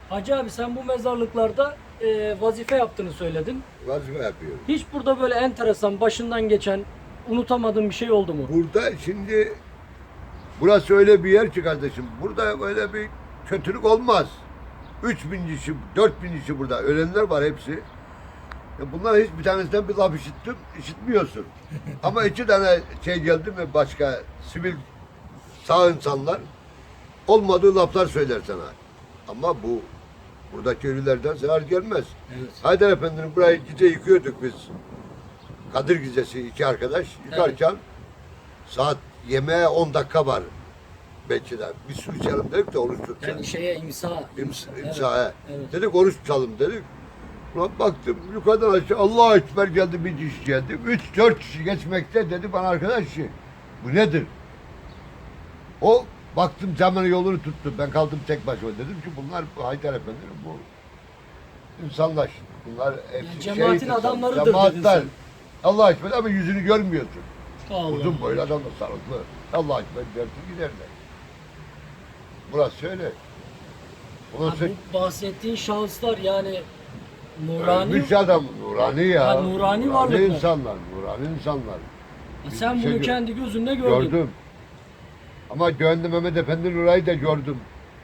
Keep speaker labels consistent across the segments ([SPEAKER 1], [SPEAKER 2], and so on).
[SPEAKER 1] Hacı abi sen bu mezarlıklarda vazife yaptığını söyledin.
[SPEAKER 2] Vazife yapıyorum.
[SPEAKER 1] Hiç burada böyle enteresan başından geçen unutamadığın bir şey oldu mu?
[SPEAKER 2] Burada şimdi burası öyle bir yer ki kardeşim. Burada böyle bir kötülük olmaz. 3000 kişi, 4000 kişi burada. Ölenler var hepsi. Bunlar hiçbir tanesinden bir laf işitmiyorsun. Ama 2 tane şey geldi mi başka sivil sağ insanlar olmadığı laflar söyler sana. Ama buradaki ölülerden zarar gelmez.
[SPEAKER 1] Evet.
[SPEAKER 2] Haydar Efendi'nin burayı gece yıkıyorduk biz. Kadir Gecesi 2 arkadaş yıkarken saat yemeğe 10 dakika var. Belki de bir su içelim dedik de oruç tutacağız.
[SPEAKER 1] Yani şeye imsa.
[SPEAKER 2] İmsaya.
[SPEAKER 1] Evet.
[SPEAKER 2] Dedik oruç tutalım dedik. Ulan baktım yukarıdan aşağı Allahu Ekber geldi, bir kişi geldi. 3-4 kişi geçmekte, dedi bana arkadaş bu nedir? O baktım camının yolunu tuttu. Ben kaldım tek başıma. Dedim ki bunlar Haydar Efendi'nin bu insanlar. Bunlar hepsi
[SPEAKER 1] Cemaatin adamlarıdır dedin
[SPEAKER 2] cemaatler.
[SPEAKER 1] sen.
[SPEAKER 2] Allah Ekber ama yüzünü görmüyorsun.
[SPEAKER 1] Allah
[SPEAKER 2] Uzun boylu adamlar sarıklı. Allah Ekber dersin giderler. Burası öyle. Ondan
[SPEAKER 1] Ha,
[SPEAKER 2] sonra
[SPEAKER 1] bu bahsettiğin şahıslar yani nurani.
[SPEAKER 2] ölmüş adam, nurani ya.
[SPEAKER 1] Ha, nurani varlıklar.
[SPEAKER 2] insanlar, nurani insanlar.
[SPEAKER 1] Sen
[SPEAKER 2] Bir şey
[SPEAKER 1] bunu
[SPEAKER 2] gör-
[SPEAKER 1] kendi gözünle gördün.
[SPEAKER 2] Gördüm. Ama gönlüm Mehmet Efendi'nin orayı da gördüm.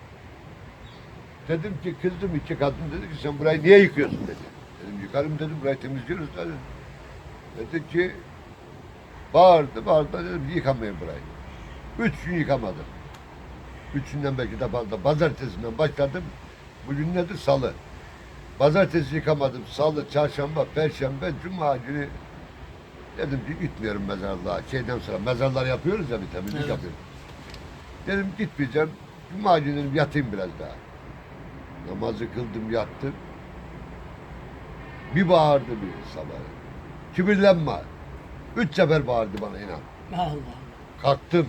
[SPEAKER 2] Dedim ki kızdım, 2 kadın dedi ki sen burayı niye yıkıyorsun dedi. Dedim yıkarım dedim, burayı temizliyoruz dedi. Dedi ki bağırdı dedim yıkamayın burayı. 3 gün yıkamadım. 3'ünden belki de fazla. Pazartesinden başladım. Bugün nedir? Salı. Pazartesi yıkamadım. Salı, çarşamba, perşembe, cuma günü dedim ki gitmiyorum mezarlığa. Şeyden sonra mezarlar yapıyoruz ya, bir temizlik
[SPEAKER 1] Evet.
[SPEAKER 2] yapıyoruz. Dedim gitmeyeceğim. Cuma günü dedim yatayım biraz daha. Namazı kıldım, yattım. Bir bağırdı bir sabah. Kibirlenme. 3 sefer bağırdı bana, inan.
[SPEAKER 1] Allah.
[SPEAKER 2] Kalktım.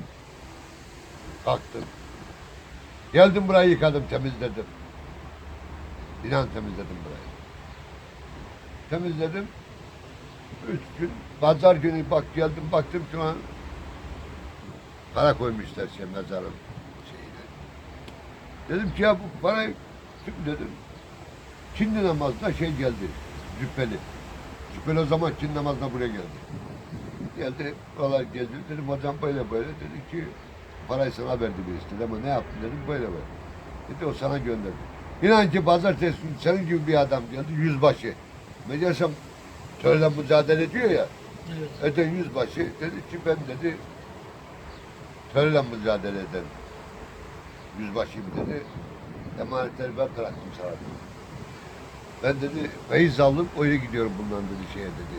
[SPEAKER 2] Geldim burayı yıkadım, temizledim. İnan temizledim burayı. Temizledim. 3 gün, pazar günü geldim baktım şu an para koymuşlar mezarın şeyine. Dedim ki ya bu parayı kim dedim. Kindi namazda geldi, Cübbeli. Cübbeli o zaman kindi namazına buraya geldi. Geldi, oralar gezdi. Dedim hocam böyle dedi ki parayı sana verdi birisi. Ama ne yaptın dedim, böyle. Dedi o sana gönderdi. İnan ki pazartesi günü senin gibi bir adam geldi, yüzbaşı. Meğersem törle mücadele ediyor ya.
[SPEAKER 1] Evet.
[SPEAKER 2] Öten yüzbaşı dedi ki ben dedi törle mücadele ederim. Yüzbaşıyım dedi. Emanetleri ben bıraktım sana dedi. Ben dedi feyiz alıp öyle gidiyorum bundan dedi şeye dedi.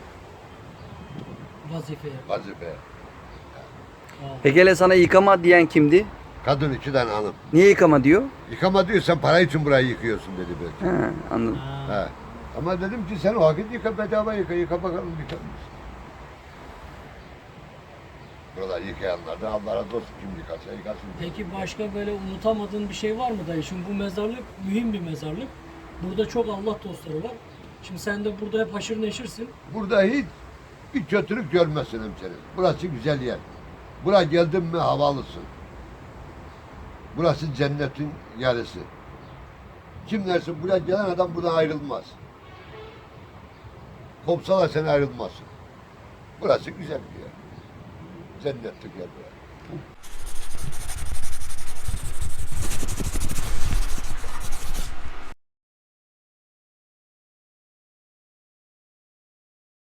[SPEAKER 1] Vazifeye.
[SPEAKER 2] Vazifeye.
[SPEAKER 3] Peki hele sana yıkama diyen kimdi?
[SPEAKER 2] Kadın 2 tane hanım.
[SPEAKER 3] Niye yıkama diyor?
[SPEAKER 2] Yıkama diyor, sen para için burayı yıkıyorsun dedi belki.
[SPEAKER 3] He, anladım.
[SPEAKER 2] He. Ama dedim ki sen o vakit yıka, bedava yıka bakalım yıkar mısın? Buralar yıkayanlar da Allah razı olsun, kim yıkarsa yıkasın.
[SPEAKER 1] Peki başka böyle unutamadığın bir şey var mı dayı? Şimdi bu mezarlık mühim bir mezarlık. Burada çok Allah dostları var. Şimdi sen de burada hep haşır neşirsin.
[SPEAKER 2] Burada hiç bir kötülük görmezsin hemşerim. Burası güzel yer. Buraya geldin mi havalısın. Burası cennetin yarısı. Kim dersin buraya gelen adam buradan ayrılmaz. Kopsalar sen ayrılmazsın. Burası güzel bir yer. Cennetlik yer burası.